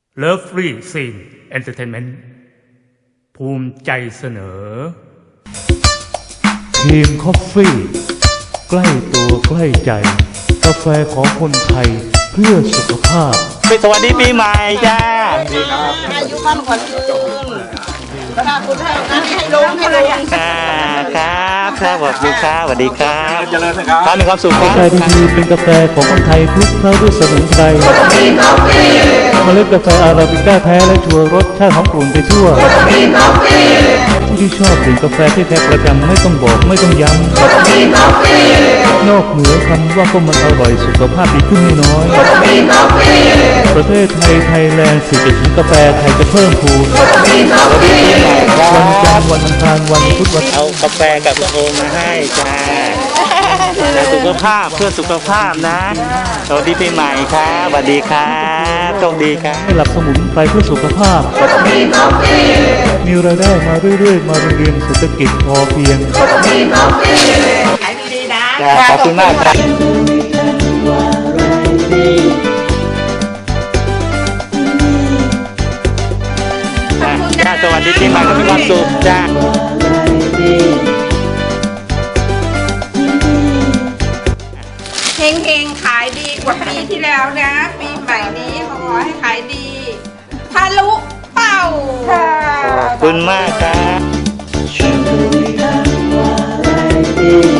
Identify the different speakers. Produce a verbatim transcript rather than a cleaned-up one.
Speaker 1: Lovely Scene Entertainment ภูมิใจเสนอทีมคอฟฟี่ใกล้ตัวใกล้ใจกาแฟของคนไทยเพื่อสุขภาพ
Speaker 2: สวัสดีปีใหม่จ้า
Speaker 3: อายุมั่นขวัญยืนถ้าคุณให้งานให้ลุงให้ลุง
Speaker 2: ครับครับสวัสดีครับสวัสดีครับเจริญนะครับท่านมีความสุขครับ
Speaker 1: กาแฟดีๆเป็นกาแฟของคนไทยคลุกเคล้าด้วยสมุนไพรเมล็ดกาแฟอาราบิก้าแท้และชัวร์รสชาติหอมกลุ่นไปทั่วผู้ที่ชอบดื่มกาแฟที่แท้ประจำไม่ต้องบอกไม่ต้องย้ำนอกเหนือคำว่าก็มันอร่อยสุขภาพดีขึ้นไม่น้อยประเทศไทยไทยแลนด์สื่อถึงกาแฟไทยจะเพิ่มพูนวันจันทร์วันอังคารวันพุธวัน
Speaker 2: เอากาแฟกับโอมมาให้จ้าแต่สุขภาพเพื่อสุขภาพนะสวัสดีปีใหม่ครับสวัสดีครับโชคดีครับ
Speaker 1: ให้หลับสมุนไพรเพื่อสุขภาพมีรายได้มาเรื่อยๆมาเรียนเศรษฐกิจพอเพียง
Speaker 3: ขายดีๆนะ
Speaker 2: ขอบคุณมากครับจ้าสวัสดีปีใหม่มีความสุขจ้า
Speaker 3: เฮงๆขายดีกว่าปีที่แล้วนะปีใหม่นี้ขอให้ขายดีทะลุเป้าค่ะ
Speaker 2: ขอบคุณมากครับ